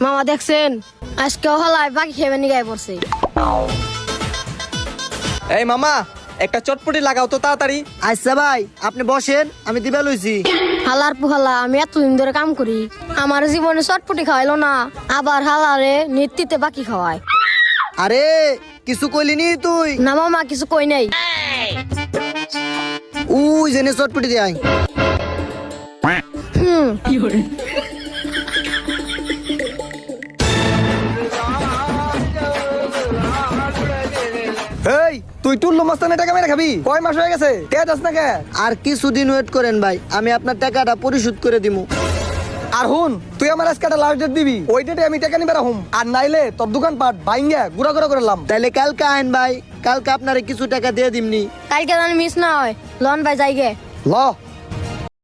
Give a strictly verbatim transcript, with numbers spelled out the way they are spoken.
মামা দেখছেন আজকে হলাই বাকি খেয়ে নি গায়ে পড়ছে। এই মামা একটা চটপটি লাগাও তো তাড়াতাড়ি। আচ্ছা ভাই আপনি বসেন, আমি দিবা লইছি। হালার পুহালা আমি এতদিন ধরে কাম করি, আমার জীবনে চটপটি খাওয়াইলো না, আবার হালারে নেতৃত্বে বাকি খাওয়ায়। আরে কিছু কইলি নি তুই? না মামা কিছু কই নাই। উই জেনে চটপটি দেয়। হুম এই তুই টুল্লু মস্তানে টাকা মেরে খাবি? কয় মাস হয়ে গেছে, কে যাস না কে? আর কিছুদিন ওয়েট করেন ভাই, আমি আপনার টাকাটা পরিশোধ করে দিমু। আর হুন, তুই আমার আজকে একটা লাস্ট ডেট দিবি, ওই ডেটে আমি টাকা নিবে রাখুম। আর নাইলে তোর দোকান পাট বাইঙ্গা গুড়া গুড়া করলাম। তাইলে কালকে আইন ভাই, কালকে আপনারে কিছু টাকা দিয়ে দিমনি। কালকে যেন মিস না হয়। লন ভাই যাইগে। ল